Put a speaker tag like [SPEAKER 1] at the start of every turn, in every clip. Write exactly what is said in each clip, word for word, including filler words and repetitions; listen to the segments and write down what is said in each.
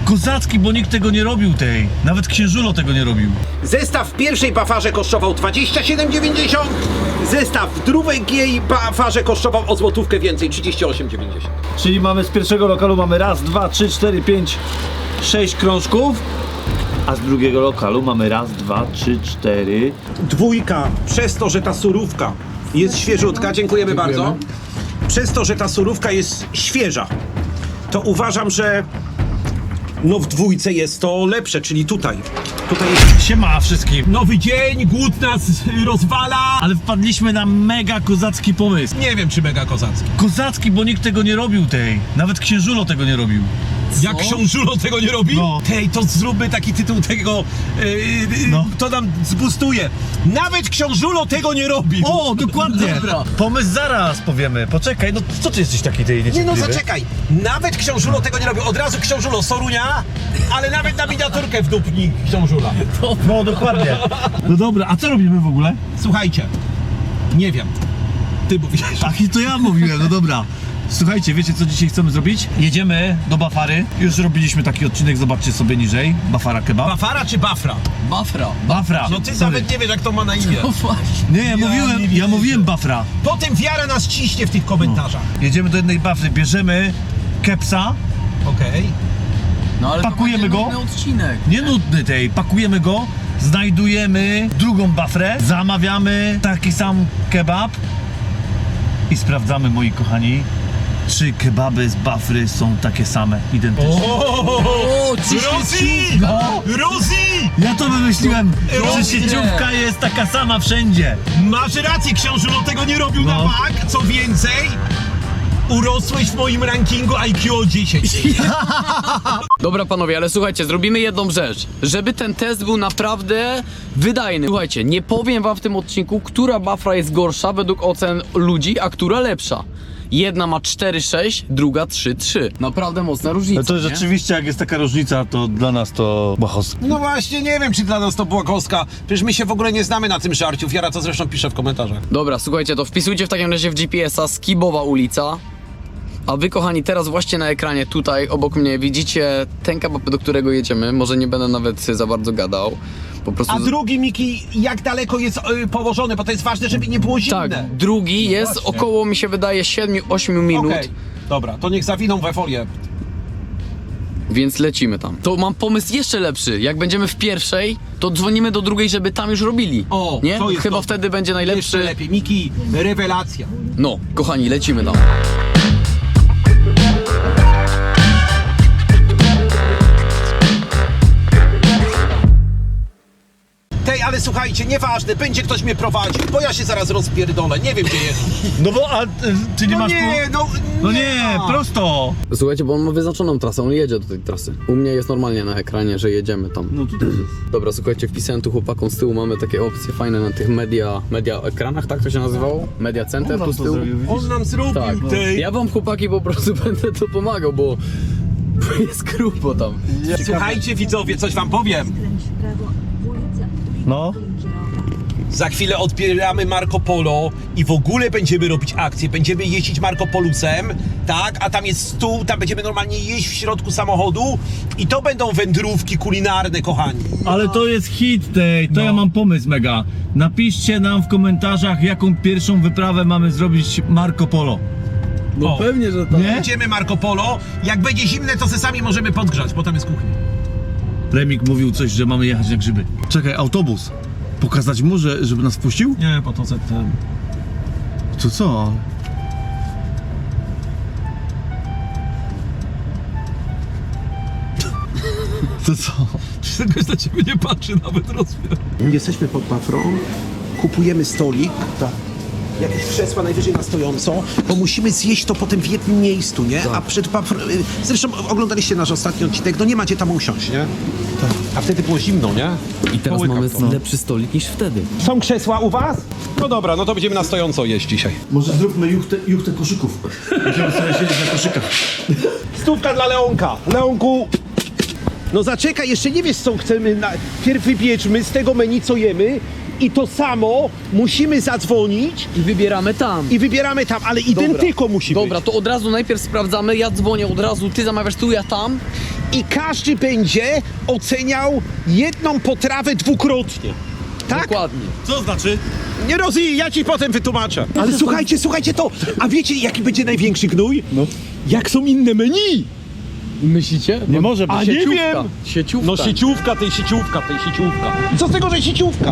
[SPEAKER 1] Kozacki, bo nikt tego nie robił tej. Nawet księżulo tego nie robił.
[SPEAKER 2] Zestaw w pierwszej bafarze kosztował dwadzieścia siedem dziewięćdziesiąt, zestaw w drugiej bafarze kosztował o złotówkę więcej, trzydzieści osiem dziewięćdziesiąt.
[SPEAKER 1] Czyli mamy z pierwszego lokalu mamy raz, dwa, trzy, cztery, pięć, sześć krążków. A z drugiego lokalu mamy raz, dwa, trzy, cztery.
[SPEAKER 2] Dwójka, przez to, że ta surówka jest świeżutka, dziękujemy,
[SPEAKER 3] Dziękujemy.
[SPEAKER 2] bardzo. Przez to, że ta surówka jest świeża, to uważam, że no w dwójce jest to lepsze, czyli tutaj. Tutaj jest
[SPEAKER 1] Siema wszystkim.
[SPEAKER 2] nowy dzień, głód nas rozwala.
[SPEAKER 1] Ale wpadliśmy na mega kozacki pomysł.
[SPEAKER 2] Nie wiem, czy mega kozacki.
[SPEAKER 1] Kozacki, bo nikt tego nie robił tej. Nawet księżulo tego nie robił.
[SPEAKER 2] Jak książulo tego nie robi?
[SPEAKER 1] No.
[SPEAKER 2] Tej, to zróbmy taki tytuł tego, yy, yy,
[SPEAKER 1] No.
[SPEAKER 2] to nam zbustuje. Nawet książulo tego nie robi.
[SPEAKER 1] O, dokładnie.
[SPEAKER 3] Dobra.
[SPEAKER 1] Pomysł zaraz powiemy. Poczekaj, no co ty jesteś taki tej
[SPEAKER 2] Nie no,
[SPEAKER 1] niecierpliwy?
[SPEAKER 2] zaczekaj. Nawet książulo tego nie robi. Od razu książulo Sorunia, ale nawet na miniaturkę wdupni książula.
[SPEAKER 1] No dokładnie. No dobra, a co robimy w ogóle?
[SPEAKER 2] Słuchajcie, nie wiem. Ty mówisz.
[SPEAKER 1] Tak, i to ja mówiłem, no dobra. Słuchajcie, wiecie co dzisiaj chcemy zrobić? Jedziemy do Bafary. Już robiliśmy taki odcinek, zobaczcie sobie niżej. Bafara kebab.
[SPEAKER 2] Bafara czy Bafra?
[SPEAKER 3] Bafra.
[SPEAKER 1] Bafra.
[SPEAKER 2] No ty
[SPEAKER 1] Sorry.
[SPEAKER 2] nawet nie wiesz, jak to ma na imię.
[SPEAKER 3] No właśnie.
[SPEAKER 1] Nie, ja mówiłem,
[SPEAKER 2] nie
[SPEAKER 1] ja
[SPEAKER 2] wiedziałem.
[SPEAKER 1] mówiłem Bafra.
[SPEAKER 2] Potem wiara nas ciśnie w tych komentarzach.
[SPEAKER 1] Jedziemy do jednej Bafry, bierzemy kepsa,
[SPEAKER 2] Okej.
[SPEAKER 3] No ale
[SPEAKER 1] Pakujemy
[SPEAKER 3] to
[SPEAKER 1] go?
[SPEAKER 3] będzie nudny odcinek.
[SPEAKER 1] nie nudny tej, pakujemy go, znajdujemy drugą Bafrę, zamawiamy taki sam kebab i sprawdzamy, moi kochani, czy kebaby z Bafry są takie same, identyczne.
[SPEAKER 3] O,
[SPEAKER 2] Rozi!
[SPEAKER 1] No.
[SPEAKER 2] Rozi!
[SPEAKER 1] Ja to wymyśliłem,
[SPEAKER 2] Rosie.
[SPEAKER 1] że sieciówka jest taka sama wszędzie.
[SPEAKER 2] Masz rację, książulo tego nie robił
[SPEAKER 1] No.
[SPEAKER 2] na bank. Co więcej, urosłeś w moim rankingu I Q o dziesięć.
[SPEAKER 3] Dobra panowie, ale słuchajcie, zrobimy jedną rzecz. Żeby ten test był naprawdę wydajny. Słuchajcie, nie powiem wam w tym odcinku, która Bafra jest gorsza według ocen ludzi, a która lepsza. Jedna ma cztery sześć, druga trzy trzy. Naprawdę mocna różnica,
[SPEAKER 1] No to
[SPEAKER 3] nie?
[SPEAKER 1] rzeczywiście, jak jest taka różnica, to dla nas to błahos.
[SPEAKER 2] No właśnie, nie wiem, czy dla nas to była kostka. Przecież my się w ogóle nie znamy na tym żarciu. Wiara to zresztą pisze w komentarzach.
[SPEAKER 3] Dobra, słuchajcie, to wpisujcie w takim razie w G P S a Skibowa ulica. A wy, kochani, teraz właśnie na ekranie tutaj obok mnie widzicie ten kebab, do którego jedziemy. Może nie będę nawet za bardzo gadał. Po prostu...
[SPEAKER 2] A drugi, Miki, jak daleko jest y, położony? Bo to jest ważne, żeby nie było zimne.
[SPEAKER 3] Tak, drugi jest
[SPEAKER 2] właśnie.
[SPEAKER 3] około, mi się wydaje, siedem osiem minut.
[SPEAKER 2] Okej, dobra, to niech zawiną we folię.
[SPEAKER 3] Więc lecimy tam. To mam pomysł jeszcze lepszy. Jak będziemy w pierwszej, to dzwonimy do drugiej, żeby tam już robili.
[SPEAKER 2] O,
[SPEAKER 3] nie?
[SPEAKER 2] to jest
[SPEAKER 3] Chyba
[SPEAKER 2] to.
[SPEAKER 3] wtedy będzie
[SPEAKER 2] Jeszcze
[SPEAKER 3] najlepszy.
[SPEAKER 2] lepiej. Miki, rewelacja.
[SPEAKER 3] No, kochani, lecimy tam.
[SPEAKER 2] Tej, ale słuchajcie, nieważne, będzie ktoś mnie prowadził, bo ja się zaraz rozpierdolę, nie wiem gdzie jest.
[SPEAKER 1] No bo, a ty nie
[SPEAKER 2] No
[SPEAKER 1] masz...
[SPEAKER 2] nie, no
[SPEAKER 1] No nie,
[SPEAKER 2] ma.
[SPEAKER 1] prosto.
[SPEAKER 3] Słuchajcie, bo on ma wyznaczoną trasę, on jedzie do tej trasy. U mnie jest normalnie na ekranie, że jedziemy tam.
[SPEAKER 1] No tutaj jest.
[SPEAKER 3] Dobra, słuchajcie, wpisałem tu chłopakom z tyłu, mamy takie opcje fajne na tych media, media ekranach, tak to się nazywało? Media Center tu z tyłu.
[SPEAKER 2] On nam zrobił
[SPEAKER 3] Tak,
[SPEAKER 2] tej.
[SPEAKER 3] ja wam chłopaki po prostu będę to pomagał, bo bo jest grubo tam.
[SPEAKER 2] Słuchajcie widzowie, coś wam powiem.
[SPEAKER 1] No.
[SPEAKER 2] Za chwilę odbieramy Marco Polo i w ogóle będziemy robić akcję. Będziemy jeździć Marco Polusem, tak? A tam jest stół, tam będziemy normalnie jeść w środku samochodu i to będą wędrówki kulinarne, kochani.
[SPEAKER 1] Ale to jest hit tej, to
[SPEAKER 2] No.
[SPEAKER 1] ja mam pomysł mega. Napiszcie nam w komentarzach, jaką pierwszą wyprawę mamy zrobić Marco Polo.
[SPEAKER 3] No
[SPEAKER 2] O.
[SPEAKER 3] pewnie, że tak.
[SPEAKER 1] Nie?
[SPEAKER 2] Będziemy Marco Polo. Jak będzie zimne, to se sami możemy podgrzać, bo tam jest kuchnia.
[SPEAKER 1] Remik mówił coś, że mamy jechać na grzyby. Czekaj, autobus. Pokazać mu, że, żeby nas wpuścił?
[SPEAKER 2] Nie, po to ten.
[SPEAKER 1] To co? To co?
[SPEAKER 2] Czegoś na ciebie nie patrzy nawet rozmiar. Jesteśmy pod Bafrą, kupujemy stolik. Tak. Jakieś krzesła najwyżej na stojąco, bo musimy zjeść to potem w jednym miejscu, nie? A przed Bafrą... Zresztą oglądaliście nasz ostatni odcinek, no nie macie tam usiąść, nie? Tak. A wtedy było zimno, nie?
[SPEAKER 3] I teraz
[SPEAKER 2] Połykam
[SPEAKER 3] mamy
[SPEAKER 2] to.
[SPEAKER 3] lepszy stolik niż wtedy.
[SPEAKER 2] Są krzesła u was? No dobra, no to będziemy na stojąco jeść dzisiaj.
[SPEAKER 1] Może zróbmy juchtę, juchtę koszyków. Będziemy sobie siedzieć na koszykach.
[SPEAKER 2] Stówka dla Leonka. Leonku... No zaczekaj, jeszcze nie wiesz co chcemy. Na... Pierw wybierzmy z tego menu co jemy i to samo musimy zadzwonić
[SPEAKER 3] I wybieramy tam.
[SPEAKER 2] i wybieramy tam, ale identyko musi
[SPEAKER 3] Dobra,
[SPEAKER 2] być.
[SPEAKER 3] to od razu najpierw sprawdzamy, ja dzwonię od razu, ty zamawiasz tu, ja tam
[SPEAKER 2] i każdy będzie oceniał jedną potrawę dwukrotnie. Tak?
[SPEAKER 3] Dokładnie.
[SPEAKER 1] Co znaczy?
[SPEAKER 2] Nie rozumiem, ja ci potem wytłumaczę. Ale słuchajcie, słuchajcie to. A wiecie, jaki będzie największy gnój? No. Jak są inne menu?
[SPEAKER 3] Myślicie?
[SPEAKER 1] Nie może być.
[SPEAKER 2] A nie
[SPEAKER 3] Sieciówka.
[SPEAKER 2] wiem.
[SPEAKER 3] Sieciówka.
[SPEAKER 2] No sieciówka, tej sieciówka, tej sieciówka. I co z tego, że sieciówka?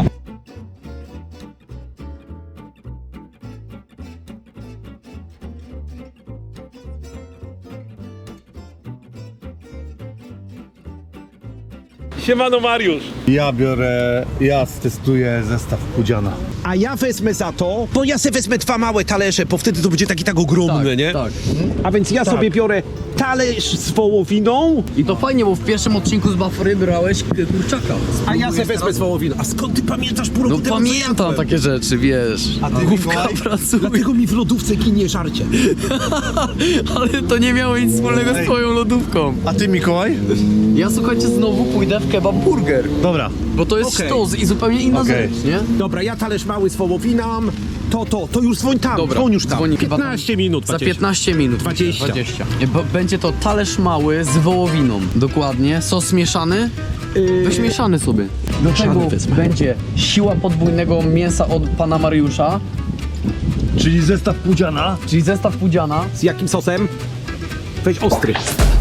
[SPEAKER 4] Siemano Mariusz.
[SPEAKER 1] Ja biorę, ja testuję zestaw Pudziana.
[SPEAKER 2] A ja wezmę za to, bo ja sobie wezmę dwa małe talerze, bo wtedy to będzie taki tak ogromny,
[SPEAKER 3] Tak,
[SPEAKER 2] nie?
[SPEAKER 3] tak.
[SPEAKER 2] A więc ja sobie biorę talerz z wołowiną,
[SPEAKER 3] I to fajnie, bo w pierwszym odcinku z Bafry brałeś k- kurczaka.
[SPEAKER 2] a ja sobie
[SPEAKER 3] Spróbujesz
[SPEAKER 2] wezmę
[SPEAKER 3] teraz?
[SPEAKER 2] z wołowiną. A skąd ty pamiętasz pół
[SPEAKER 3] No
[SPEAKER 2] roku temu, co
[SPEAKER 3] pamiętam
[SPEAKER 2] jadłem?
[SPEAKER 3] takie rzeczy, wiesz.
[SPEAKER 2] A ty,
[SPEAKER 3] Główka
[SPEAKER 2] Mikołaj?
[SPEAKER 3] pracuje.
[SPEAKER 2] Dlatego mi w lodówce ginie żarcie.
[SPEAKER 3] Ale to nie miało nic wspólnego z twoją lodówką.
[SPEAKER 1] A ty, Mikołaj?
[SPEAKER 3] Ja słuchajcie, znowu pójdę w kebab burger.
[SPEAKER 1] Dobra.
[SPEAKER 3] Bo to jest
[SPEAKER 2] Okej.
[SPEAKER 3] sztos i zupełnie inna
[SPEAKER 1] Okej.
[SPEAKER 3] rzecz, nie?
[SPEAKER 2] Dobra, ja talerz mały z wołowiną, to, to, to już dzwoń tam,
[SPEAKER 3] Dobra,
[SPEAKER 2] dzwoń już tam.
[SPEAKER 3] dzwoni chyba tam.
[SPEAKER 2] piętnaście minut,
[SPEAKER 3] Za
[SPEAKER 2] dwadzieścia.
[SPEAKER 3] piętnaście minut.
[SPEAKER 2] dwadzieścia.
[SPEAKER 3] dwadzieścia. Bo będzie to talerz mały z wołowiną. Dokładnie. Sos mieszany. Weź mieszany sobie. Do
[SPEAKER 2] Mieszany
[SPEAKER 3] tego
[SPEAKER 2] wezmę.
[SPEAKER 3] będzie siła podwójnego mięsa od pana Mariusza,
[SPEAKER 1] Czyli zestaw Pudziana.
[SPEAKER 3] czyli zestaw pudziana.
[SPEAKER 2] Z jakim sosem? Weź ostry.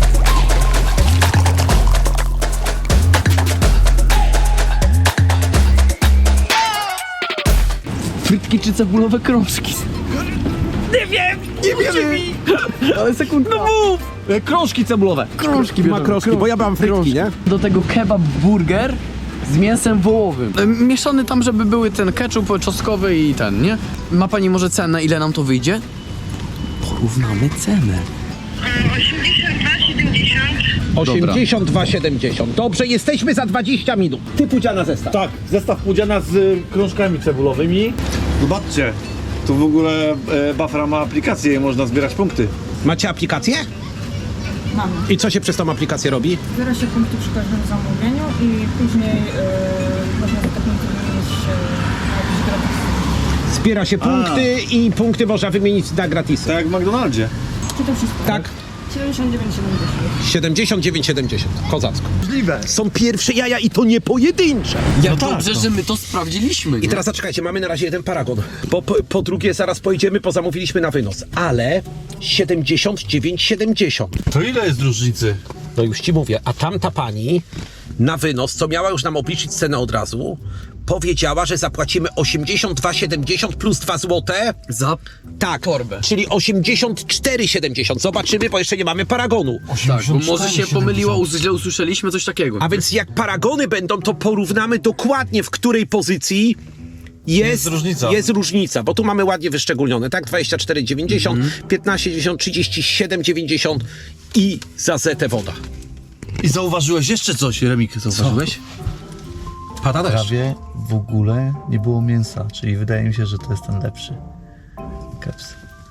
[SPEAKER 3] Frytki czy cebulowe krążki. Nie wiem, nie wiemy. Ale sekundka. No mów.
[SPEAKER 1] E, krążki cebulowe.
[SPEAKER 3] Krążki
[SPEAKER 2] Ma krążki, bo ja mam frytki, nie?
[SPEAKER 3] Do tego kebab burger z mięsem wołowym. E, Mieszany tam, żeby były ten ketchup czosnkowy i ten, nie? Ma pani może cenę, ile nam to wyjdzie? Porównamy cenę.
[SPEAKER 5] osiemdziesiąt dwa siedemdziesiąt.
[SPEAKER 2] osiemdziesiąt dwa siedemdziesiąt. Dobrze, jesteśmy za dwadzieścia minut. Ty Pudziana zestaw.
[SPEAKER 1] Tak, zestaw Pudziana z y, krążkami cebulowymi. Zobaczcie, tu w ogóle e, Bafra ma aplikację i można zbierać punkty.
[SPEAKER 2] Macie aplikację?
[SPEAKER 5] Mamy.
[SPEAKER 2] I co się przez tą aplikację robi?
[SPEAKER 5] Zbiera się punkty przy każdym zamówieniu i później yy, można za te punkty wymienić yy, jakieś gratis.
[SPEAKER 2] Zbiera się punkty i punkty można wymienić na gratisy.
[SPEAKER 1] Tak jak w McDonaldzie.
[SPEAKER 5] Czy to wszystko?
[SPEAKER 2] Tak?
[SPEAKER 5] siedemdziesiąt dziewięć siedemdziesiąt.
[SPEAKER 2] siedemdziesiąt dziewięć siedemdziesiąt. Kozacko.
[SPEAKER 1] Możliwe.
[SPEAKER 2] Są pierwsze jaja i to nie pojedyncze.
[SPEAKER 3] Jak
[SPEAKER 1] tak,
[SPEAKER 3] dobrze,
[SPEAKER 1] no.
[SPEAKER 3] że my to sprawdziliśmy.
[SPEAKER 2] I
[SPEAKER 3] nie?
[SPEAKER 2] teraz zaczekajcie, mamy na razie jeden paragon. Po, po, po drugie zaraz pojedziemy, bo zamówiliśmy na wynos. Ale siedemdziesiąt dziewięć siedemdziesiąt.
[SPEAKER 1] To ile jest różnicy?
[SPEAKER 2] No już ci mówię, a tamta pani na wynos, co miała już nam obliczyć cenę od razu, powiedziała, że zapłacimy osiemdziesiąt dwa siedemdziesiąt plus dwa złote.
[SPEAKER 3] Za
[SPEAKER 2] Tak,
[SPEAKER 3] torbę.
[SPEAKER 2] czyli osiemdziesiąt cztery siedemdziesiąt. Zobaczymy, bo jeszcze nie mamy paragonu.
[SPEAKER 3] Tak, bo może się pomyliło, us- źle usłyszeliśmy coś takiego.
[SPEAKER 2] A więc jak paragony będą, to porównamy dokładnie, w której pozycji jest,
[SPEAKER 1] Jest różnica.
[SPEAKER 2] Jest różnica, bo tu mamy ładnie wyszczególnione, tak? dwadzieścia cztery dziewięćdziesiąt,
[SPEAKER 1] Mhm.
[SPEAKER 2] piętnaście dziewięćdziesiąt, trzydzieści siedem dziewięćdziesiąt i za zetę woda.
[SPEAKER 1] I zauważyłeś jeszcze coś, Remik, zauważyłeś?
[SPEAKER 2] Pada deszcz.
[SPEAKER 1] Prawie w ogóle nie było mięsa, czyli wydaje mi się, że to jest ten lepszy. Keps.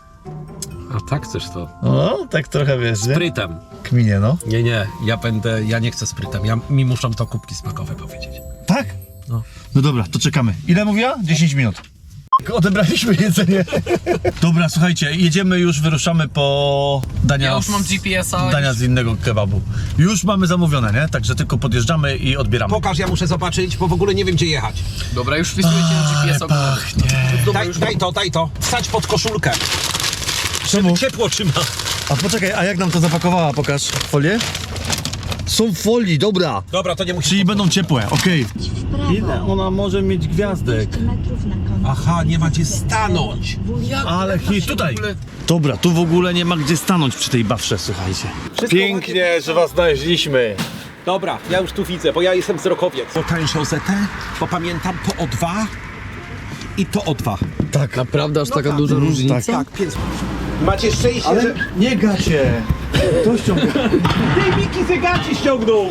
[SPEAKER 6] A tak chcesz to?
[SPEAKER 1] O, tak trochę wiesz, nie?
[SPEAKER 6] Sprytem.
[SPEAKER 1] Kminie, no.
[SPEAKER 6] Nie, nie, ja będę, ja nie chcę sprytem, ja, mi muszą to kubki smakowe powiedzieć.
[SPEAKER 1] Tak?
[SPEAKER 6] No.
[SPEAKER 1] No dobra, to czekamy. Ile mówiła? dziesięć minut. Odebraliśmy jedzenie. Dobra, słuchajcie, jedziemy już, wyruszamy po dania,
[SPEAKER 3] Ja już mam G P S a.
[SPEAKER 1] dania z innego kebabu. Już mamy zamówione, nie? Także tylko podjeżdżamy i odbieramy.
[SPEAKER 2] Pokaż, ja muszę zobaczyć, bo w ogóle nie wiem, gdzie jechać.
[SPEAKER 3] Dobra, już wpisujecie na G P S.
[SPEAKER 1] pachnie.
[SPEAKER 3] Dobra,
[SPEAKER 2] Daj,
[SPEAKER 3] już
[SPEAKER 2] daj to, daj to. Wsadź pod koszulkę.
[SPEAKER 1] Czemu?
[SPEAKER 2] Ciepło trzyma.
[SPEAKER 1] A poczekaj, a jak nam to zapakowała? Pokaż folię. Są w folii, dobra.
[SPEAKER 2] Dobra, to nie musisz...
[SPEAKER 1] Czyli będą ciepłe, okej. Ile ona może mieć gwiazdek?
[SPEAKER 2] Aha, nie ma gdzie stanąć.
[SPEAKER 1] Ale hit, tutaj. Dobra, tu w ogóle nie ma gdzie stanąć przy tej bafrze, słuchajcie. Pięknie, że was znaleźliśmy.
[SPEAKER 2] Dobra, ja już tu widzę, bo ja jestem wzrokowiec. Po tańszą zetę, bo pamiętam to o dwa i to o dwa.
[SPEAKER 1] Tak.
[SPEAKER 3] Naprawdę aż taka
[SPEAKER 2] tak.
[SPEAKER 3] duża
[SPEAKER 1] Mm,
[SPEAKER 3] różnica?
[SPEAKER 1] tak.
[SPEAKER 2] Tak, więc... Macie szczęście, że...
[SPEAKER 1] nie gacie. To ściąga.
[SPEAKER 2] Tej Miki zegaci ściągnął!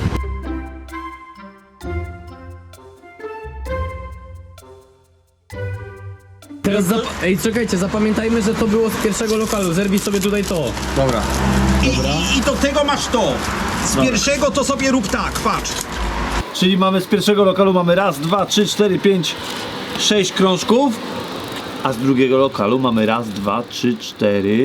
[SPEAKER 3] Teraz zap- Ej, czekajcie, zapamiętajmy, że to było z pierwszego lokalu. Zerwij sobie tutaj to.
[SPEAKER 1] Dobra.
[SPEAKER 2] I, i, I do tego masz to. Z pierwszego to sobie rób tak, patrz.
[SPEAKER 1] Czyli mamy z pierwszego lokalu mamy raz, dwa, trzy, cztery, pięć, sześć krążków. A z drugiego lokalu mamy raz, dwa, trzy, cztery,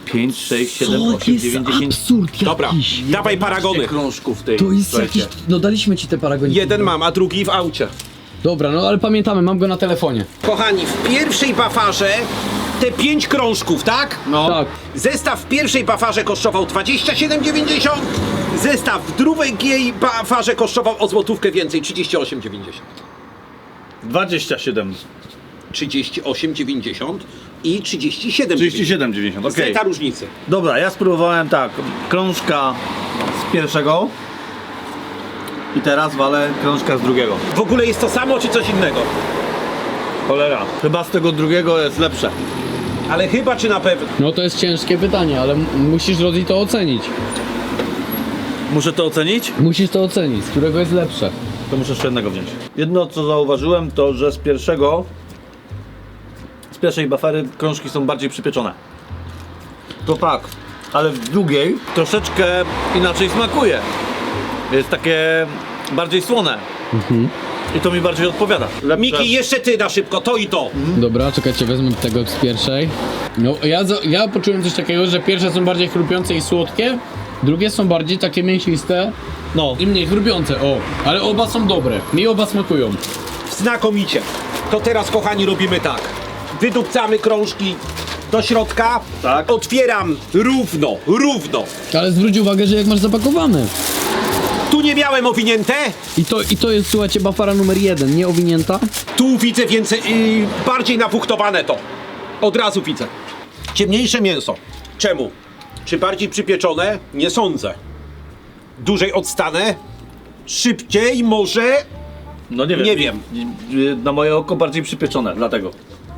[SPEAKER 1] pięć, sześć, siedem, osiem, dziewięć, dziesięć.
[SPEAKER 3] absurd
[SPEAKER 2] Dobra, dawaj paragony.
[SPEAKER 1] krążków tej.
[SPEAKER 3] To jest
[SPEAKER 1] słuchajcie.
[SPEAKER 3] jakiś... No daliśmy ci te paragoniki.
[SPEAKER 2] Jeden mam, a drugi w aucie.
[SPEAKER 3] Dobra, no ale pamiętamy, mam go na telefonie.
[SPEAKER 2] Kochani, w pierwszej bafarze te pięć krążków, tak?
[SPEAKER 1] No.
[SPEAKER 3] Tak.
[SPEAKER 2] Zestaw w pierwszej bafarze kosztował dwadzieścia siedem dziewięćdziesiąt. Zestaw w drugiej bafarze kosztował o złotówkę więcej, trzydzieści osiem dziewięćdziesiąt.
[SPEAKER 1] dwadzieścia siedem.
[SPEAKER 2] trzydzieści osiem dziewięćdziesiąt i trzydzieści siedem
[SPEAKER 1] trzydzieści siedem dziewięćdziesiąt, okej.
[SPEAKER 2] Zeta różnicy.
[SPEAKER 1] Dobra, ja spróbowałem tak, krążka z pierwszego i teraz walę krążka z drugiego.
[SPEAKER 2] W ogóle jest to samo, czy coś innego?
[SPEAKER 1] Cholera, chyba z tego drugiego jest lepsze.
[SPEAKER 2] Ale chyba, czy na pewno?
[SPEAKER 3] No to jest ciężkie pytanie, ale m- musisz Rodzi to ocenić.
[SPEAKER 1] Muszę to ocenić?
[SPEAKER 3] Musisz to ocenić, z którego jest lepsze.
[SPEAKER 1] To muszę jeszcze jednego wziąć. Jedno co zauważyłem to, że z pierwszego, z pierwszej bafery krążki są bardziej przypieczone. To tak, ale w drugiej troszeczkę inaczej smakuje. Jest takie bardziej słone. I to mi bardziej odpowiada. Lepsze.
[SPEAKER 2] Miki, jeszcze ty na szybko, to i to.
[SPEAKER 3] Dobra, czekajcie, wezmę tego z pierwszej. No, ja, za- ja poczułem coś takiego, że pierwsze są bardziej chrupiące i słodkie, drugie są bardziej takie mięsiste
[SPEAKER 1] No,
[SPEAKER 3] i mniej chrupiące, o. Ale oba są dobre, mi oba smakują.
[SPEAKER 2] Znakomicie. To teraz, kochani, robimy tak. Wydupcamy krążki do środka.
[SPEAKER 1] Tak.
[SPEAKER 2] Otwieram równo, równo.
[SPEAKER 3] Ale zwróć uwagę, że jak masz zapakowane.
[SPEAKER 2] Tu nie miałem owinięte.
[SPEAKER 3] I to, i to jest, słuchajcie, bafara numer jeden, nie owinięta.
[SPEAKER 2] Tu widzę więcej, yy, bardziej napuchtowane to. Od razu widzę. Ciemniejsze mięso. Czemu? Czy bardziej przypieczone? Nie sądzę. Dłużej odstanę? Szybciej może?
[SPEAKER 1] no nie wiem.
[SPEAKER 2] Nie wiem.
[SPEAKER 1] Na moje oko bardziej przypieczone, dlatego.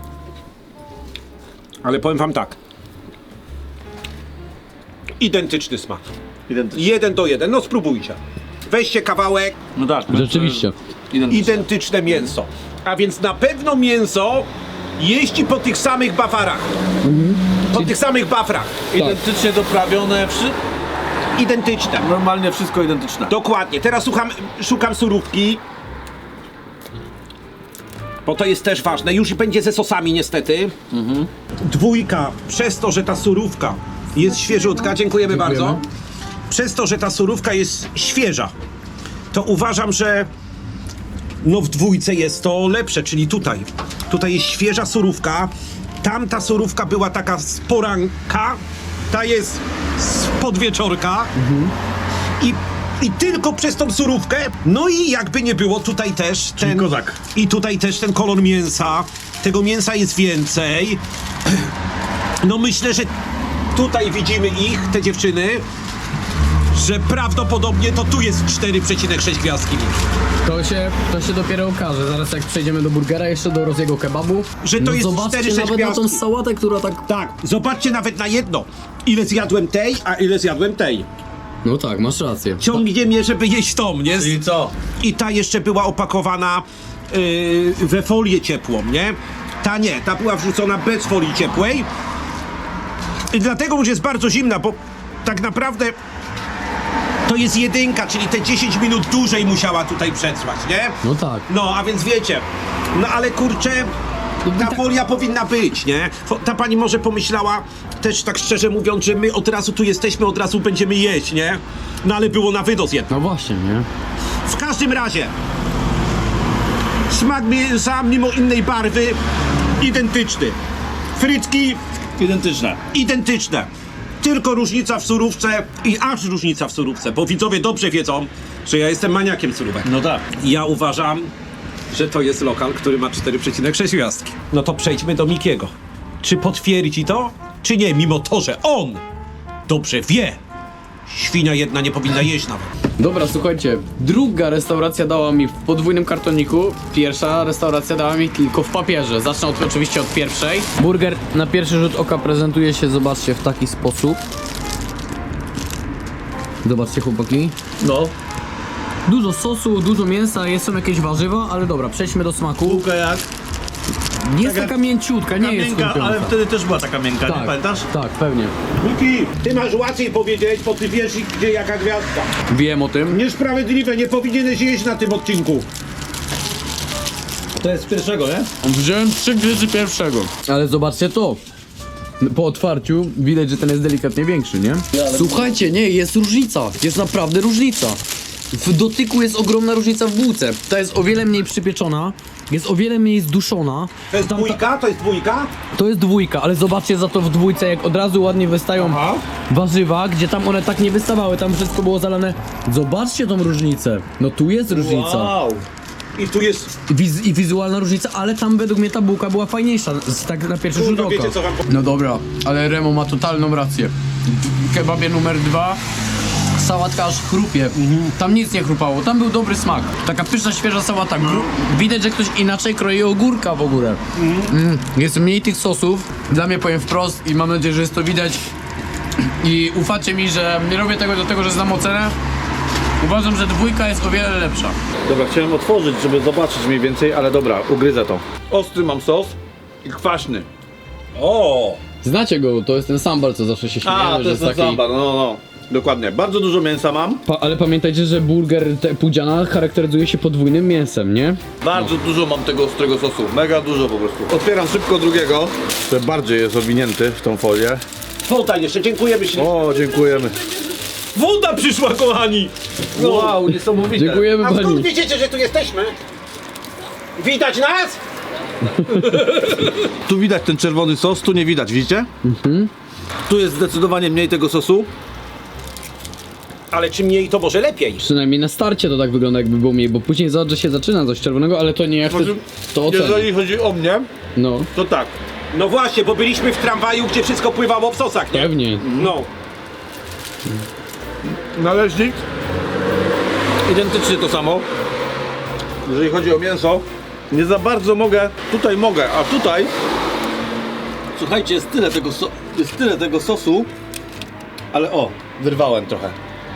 [SPEAKER 2] Ale powiem wam tak. Identyczny smak.
[SPEAKER 1] Identycznie.
[SPEAKER 2] Jeden do jeden. No spróbujcie. Weźcie kawałek.
[SPEAKER 1] No tak.
[SPEAKER 3] Rzeczywiście.
[SPEAKER 1] Identycznie.
[SPEAKER 2] Identyczne mięso. A więc na pewno mięso jeździ po tych samych bafarach. Po tych samych bafrach.
[SPEAKER 1] Identycznie doprawione, wszy...
[SPEAKER 2] Identyczne.
[SPEAKER 1] normalnie wszystko identyczne.
[SPEAKER 2] Dokładnie. Teraz szukam, szukam surówki. Bo to jest też ważne. Już będzie ze sosami niestety. Dwójka. Przez to, że ta surówka jest świeżutka. Dziękujemy,
[SPEAKER 3] Dziękujemy.
[SPEAKER 2] bardzo. Przez to, że ta surówka jest świeża, to uważam, że no w dwójce jest to lepsze, czyli tutaj. Tutaj jest świeża surówka. Tamta surówka była taka z poranka. Ta jest z podwieczorka. I, I tylko przez tą surówkę. No i jakby nie było, tutaj też ten.
[SPEAKER 1] kozak.
[SPEAKER 2] I tutaj też ten kolor mięsa. Tego mięsa jest więcej. No myślę, że tutaj widzimy ich, te dziewczyny, że prawdopodobnie to tu jest cztery przecinek sześć gwiazdki.
[SPEAKER 3] To się, to się dopiero okaże, zaraz jak przejdziemy do burgera, jeszcze do Roziego kebabu.
[SPEAKER 2] Że to jest
[SPEAKER 3] zobaczcie
[SPEAKER 2] cztery, sześć
[SPEAKER 3] nawet na tą
[SPEAKER 2] gwiazdki.
[SPEAKER 3] sałatę, która tak...
[SPEAKER 2] Tak, zobaczcie nawet na jedno. Ile zjadłem tej, a ile zjadłem tej.
[SPEAKER 3] No tak, masz rację.
[SPEAKER 2] Ciągnie mnie, żeby jeść tą, nie?
[SPEAKER 1] I co?
[SPEAKER 2] I ta jeszcze była opakowana yy, we folię ciepłą, nie? Ta nie, ta była wrzucona bez folii ciepłej. I dlatego już jest bardzo zimna, bo tak naprawdę to jest jedynka, czyli te dziesięć minut dłużej musiała tutaj przetrwać, nie?
[SPEAKER 3] No tak.
[SPEAKER 2] No, a więc wiecie, no ale kurczę, ta folia powinna być, nie? Fo- Ta pani może pomyślała, też tak szczerze mówiąc, że my od razu tu jesteśmy, od razu będziemy jeść, nie? No ale było na wydos jedno.
[SPEAKER 3] No właśnie, nie?
[SPEAKER 2] W każdym razie, smak mięsa mimo innej barwy identyczny. Frytki
[SPEAKER 1] Identyczne.
[SPEAKER 2] identyczne. Tylko różnica w surówce i aż różnica w surówce, bo widzowie dobrze wiedzą, że ja jestem maniakiem surówek.
[SPEAKER 1] No tak.
[SPEAKER 2] Ja uważam, że to jest lokal, który ma cztery przecinek sześć gwiazdki. No to przejdźmy do Mikiego. Czy potwierdzi to, czy nie, mimo to, że on dobrze wie, świnia jedna nie powinna jeść nawet.
[SPEAKER 3] Dobra, słuchajcie, druga restauracja dała mi w podwójnym kartoniku, pierwsza restauracja dała mi tylko w papierze. Zacznę od, oczywiście od pierwszej. Burger na pierwszy rzut oka prezentuje się, zobaczcie, w taki sposób. Zobaczcie, chłopaki.
[SPEAKER 1] No.
[SPEAKER 3] Dużo sosu, dużo mięsa, jest są jakieś warzywa, ale dobra, przejdźmy do smaku.
[SPEAKER 1] Bułka jak?
[SPEAKER 3] Jest taka mięciutka, nie jest
[SPEAKER 1] miękka,
[SPEAKER 3] chrupiąca.
[SPEAKER 1] ale wtedy też była taka miękka, nie
[SPEAKER 3] Tak,
[SPEAKER 1] pamiętasz?
[SPEAKER 3] tak, pewnie.
[SPEAKER 2] Miki, ty masz łatwiej powiedzieć, bo ty wiesz, gdzie jaka gwiazdka.
[SPEAKER 3] Wiem o tym.
[SPEAKER 2] Niesprawiedliwe, nie powinieneś jeść na tym odcinku.
[SPEAKER 1] To jest z pierwszego, nie?
[SPEAKER 3] Wziąłem trzy gryzy pierwszego. Ale zobaczcie to. Po otwarciu widać, że ten jest delikatnie większy, nie? Słuchajcie, nie, jest różnica. Jest naprawdę różnica. W dotyku jest ogromna różnica w bułce. Ta jest o wiele mniej przypieczona, jest o wiele mniej zduszona.
[SPEAKER 2] To jest dwójka? To jest dwójka?
[SPEAKER 3] To jest dwójka, ale zobaczcie za to w dwójce, jak od razu ładnie wystają
[SPEAKER 2] Aha.
[SPEAKER 3] warzywa, gdzie tam one tak nie wystawały, tam wszystko było zalane. Zobaczcie tą różnicę. No tu jest różnica.
[SPEAKER 2] Wow. I tu jest...
[SPEAKER 3] Wiz I wizualna różnica, ale tam według mnie ta bułka była fajniejsza, z, tak na pierwszy rzut
[SPEAKER 2] Kurwa,
[SPEAKER 3] oka.
[SPEAKER 2] wiecie, co wam powiem?
[SPEAKER 3] No dobra, ale Remo ma totalną rację. W kebabie numer dwa sałatka aż chrupie. Tam nic nie chrupało, tam był dobry smak. Taka pyszna, świeża sałata. Gru... Widać, że ktoś inaczej kroi ogórka w ogóle. Mm. Jest mniej tych sosów. Dla mnie, powiem wprost i mam nadzieję, że jest to widać. I ufacie mi, że nie robię tego do tego, że znam ocenę. Uważam, że dwójka jest o wiele lepsza.
[SPEAKER 1] Dobra, chciałem otworzyć, żeby zobaczyć mniej więcej, ale dobra, ugryzę to. Ostry mam sos i kwaśny.
[SPEAKER 2] O!
[SPEAKER 3] Znacie go, to jest ten sambal, co zawsze się śmiejemy,
[SPEAKER 1] A, to
[SPEAKER 3] że
[SPEAKER 1] jest
[SPEAKER 3] jest
[SPEAKER 1] ten
[SPEAKER 3] taki...
[SPEAKER 1] sambar, no, no. Dokładnie. Bardzo dużo mięsa mam.
[SPEAKER 3] Pa, ale pamiętajcie, że burger te, Pudziana charakteryzuje się podwójnym mięsem, nie?
[SPEAKER 1] Bardzo dużo mam tego ostrego sosu. Mega dużo po prostu. Otwieram szybko drugiego, który bardziej jest owinięty w tą folię.
[SPEAKER 2] Tutaj jeszcze, dziękujemy się.
[SPEAKER 1] O, dziękujemy.
[SPEAKER 2] Woda przyszła, kochani! No.
[SPEAKER 1] Wow, niesamowite.
[SPEAKER 3] Dziękujemy
[SPEAKER 2] A skąd
[SPEAKER 3] pani.
[SPEAKER 2] widzicie, że tu jesteśmy? Widać nas?
[SPEAKER 1] Tu widać ten czerwony sos, tu nie widać, widzicie? Mhm. Tu jest zdecydowanie mniej tego sosu.
[SPEAKER 2] Ale czym mniej, to może lepiej.
[SPEAKER 3] Przynajmniej na starcie to tak wygląda, jakby było mniej, bo później zobacz, że się zaczyna coś czerwonego, ale to nie jak ty to ocenię.
[SPEAKER 1] Jeżeli chodzi o mnie,
[SPEAKER 3] No,
[SPEAKER 1] to tak.
[SPEAKER 2] No właśnie, bo byliśmy w tramwaju, gdzie wszystko pływało w sosach, nie?
[SPEAKER 3] pewnie.
[SPEAKER 2] No.
[SPEAKER 1] Należnik. Identycznie to samo. Jeżeli chodzi o mięso, nie za bardzo mogę, tutaj mogę, a tutaj słuchajcie, jest tyle tego, so, jest tyle tego sosu, ale o, wyrwałem trochę.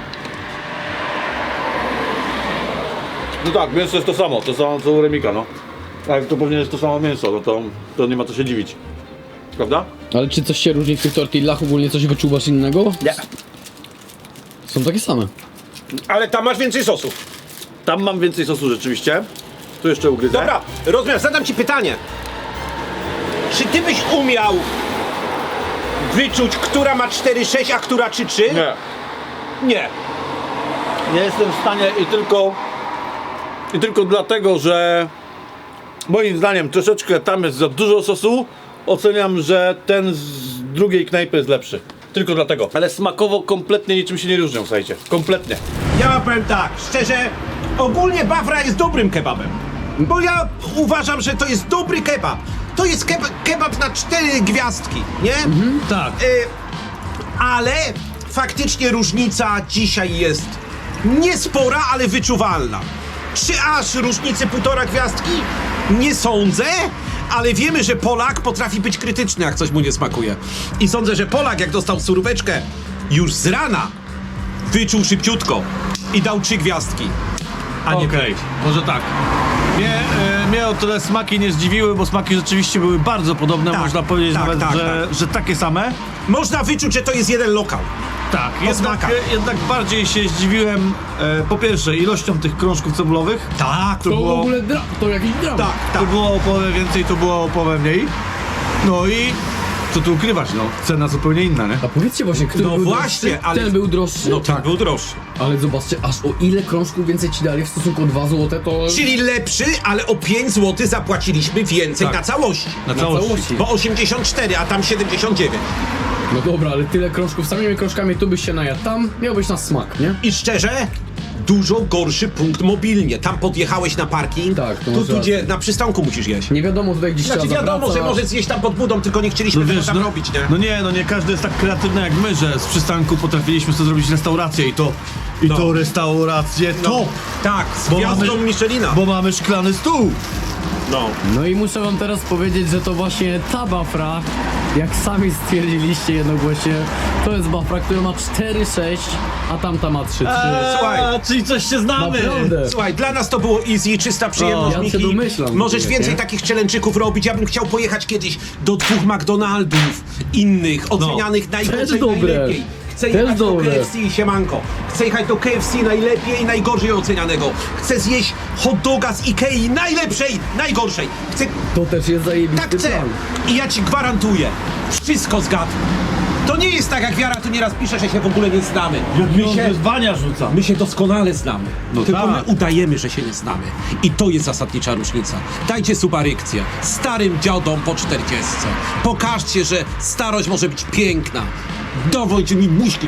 [SPEAKER 1] No tak, mięso jest to samo, to samo co u Remika, no. A jak to pewnie jest to samo mięso, no to, to nie ma co się dziwić. Prawda?
[SPEAKER 3] Ale czy coś się różni w tych tortillach? Ogólnie coś wyczuwasz innego?
[SPEAKER 2] Nie.
[SPEAKER 3] Są takie same.
[SPEAKER 2] Ale tam masz więcej sosów.
[SPEAKER 1] Tam mam więcej sosu rzeczywiście. Tu jeszcze ugryzę.
[SPEAKER 2] Dobra, rozumiem, zadam ci pytanie. Czy ty byś umiał wyczuć, która ma cztery sześć, a która trzy trzy?
[SPEAKER 1] Nie.
[SPEAKER 2] Nie.
[SPEAKER 1] Nie jestem w stanie i tylko i tylko dlatego, że moim zdaniem troszeczkę tam jest za dużo sosu, oceniam, że ten z drugiej knajpy jest lepszy. Tylko dlatego. Ale smakowo kompletnie niczym się nie różnią, słuchajcie. Kompletnie.
[SPEAKER 2] Ja wam powiem tak, szczerze, ogólnie Bafra jest dobrym kebabem. Bo ja uważam, że to jest dobry kebab. To jest keb kebab na cztery gwiazdki, nie?
[SPEAKER 1] Tak.
[SPEAKER 2] Y, ale faktycznie różnica dzisiaj jest niespora, ale wyczuwalna. Czy aż różnicy półtora gwiazdki? Nie sądzę, ale wiemy, że Polak potrafi być krytyczny, jak coś mu nie smakuje. I sądzę, że Polak, jak dostał suróweczkę już z rana, wyczuł szybciutko i dał trzy gwiazdki, a nie
[SPEAKER 1] Okej,
[SPEAKER 2] pięć.
[SPEAKER 1] może tak. Mnie, e, mnie o tyle smaki nie zdziwiły, bo smaki rzeczywiście były bardzo podobne.
[SPEAKER 2] Tak,
[SPEAKER 1] Można powiedzieć
[SPEAKER 2] tak,
[SPEAKER 1] nawet,
[SPEAKER 2] tak,
[SPEAKER 1] że, że takie same.
[SPEAKER 2] Można wyczuć, że to jest jeden lokal.
[SPEAKER 1] Tak, jednak,
[SPEAKER 2] smakach.
[SPEAKER 1] jednak bardziej się zdziwiłem e, po pierwsze ilością tych krążków cebulowych.
[SPEAKER 2] Tak,
[SPEAKER 1] To
[SPEAKER 3] To w
[SPEAKER 1] było,
[SPEAKER 3] ogóle dra- to jakiś dramat.
[SPEAKER 2] tak,
[SPEAKER 1] to
[SPEAKER 2] tak.
[SPEAKER 1] było o połowę więcej, to było o połowę mniej. No i co tu ukrywać, no, cena zupełnie inna, nie?
[SPEAKER 3] A powiedzcie właśnie, który
[SPEAKER 2] No
[SPEAKER 3] był
[SPEAKER 2] właśnie,
[SPEAKER 3] droższy?
[SPEAKER 2] ale-
[SPEAKER 3] Ten był droższy?
[SPEAKER 2] No tak, był droższy.
[SPEAKER 3] Ale zobaczcie, aż o ile krążków więcej ci dali w stosunku o dwa złote, to...
[SPEAKER 2] Czyli lepszy, ale o pięć złotych zapłaciliśmy więcej
[SPEAKER 1] Tak.
[SPEAKER 2] na całości.
[SPEAKER 1] Na
[SPEAKER 3] na
[SPEAKER 1] całości.
[SPEAKER 3] całości.
[SPEAKER 2] Bo osiemdziesiąt cztery, a tam siedemdziesiąt dziewięć.
[SPEAKER 3] No dobra, ale tyle krążków, samymi krążkami tu byś się najadł, tam miałbyś na smak, nie?
[SPEAKER 2] I szczerze, dużo gorszy punkt mobilnie. Tam podjechałeś na parking,
[SPEAKER 3] Tak, to
[SPEAKER 2] tu,
[SPEAKER 3] masz
[SPEAKER 2] tu gdzie na przystanku musisz jeść.
[SPEAKER 3] Nie wiadomo tutaj gdzieś
[SPEAKER 2] Znaczy
[SPEAKER 3] trzeba
[SPEAKER 2] wiadomo, że
[SPEAKER 3] zawracać.
[SPEAKER 2] może zjeść tam pod budą, tylko nie chcieliśmy tego tam
[SPEAKER 1] no,
[SPEAKER 2] robić, nie?
[SPEAKER 1] no nie, no nie każdy jest tak kreatywny jak my, że z przystanku potrafiliśmy sobie zrobić restaurację i to, i
[SPEAKER 2] No.
[SPEAKER 1] to restaurację top,
[SPEAKER 2] Tak, z
[SPEAKER 1] Bo
[SPEAKER 2] gwiazdą
[SPEAKER 1] mamy-
[SPEAKER 2] Michelina.
[SPEAKER 1] bo mamy szklany stół.
[SPEAKER 2] No.
[SPEAKER 3] No i muszę wam teraz powiedzieć, że to właśnie ta Bafra, jak sami stwierdziliście jednogłośnie, to jest Bafra, która ma cztery sześć, a tamta ma trzy trzy.
[SPEAKER 2] Słuchaj.
[SPEAKER 1] czyli coś się znamy.
[SPEAKER 3] Naprawdę.
[SPEAKER 2] Słuchaj, dla nas to było easy, czysta przyjemność,
[SPEAKER 3] O, ja się
[SPEAKER 2] Miki.
[SPEAKER 3] domyślam,
[SPEAKER 2] Możesz
[SPEAKER 3] Miki,
[SPEAKER 2] więcej
[SPEAKER 3] nie?
[SPEAKER 2] takich challenge'yków robić. Ja bym chciał pojechać kiedyś do dwóch McDonaldów innych, ocenianych najgorzej,
[SPEAKER 3] też dobre.
[SPEAKER 2] najlepiej. Chcę
[SPEAKER 3] Też
[SPEAKER 2] jechać do
[SPEAKER 3] dobre.
[SPEAKER 2] K F C i siemanko. Chcę jechać do K F C najlepiej i najgorzej ocenianego. Chcę zjeść hot doga z Ikei najlepszej, najgorszej. Chcę...
[SPEAKER 3] To też jest zajebisty
[SPEAKER 2] Tak chcę.
[SPEAKER 3] plan.
[SPEAKER 2] I ja ci gwarantuję, wszystko zgadnę. To nie jest tak, jak Wiara tu nieraz pisze, że się w ogóle nie znamy. My się,
[SPEAKER 1] wyzwania rzuca.
[SPEAKER 2] my się doskonale znamy.
[SPEAKER 1] No
[SPEAKER 2] Tylko
[SPEAKER 1] tak.
[SPEAKER 2] my udajemy, że się nie znamy. I to jest zasadnicza różnica. Dajcie subarykcję starym dziadom po czterdziestce. Pokażcie, że starość może być piękna. Dowódź mi muśki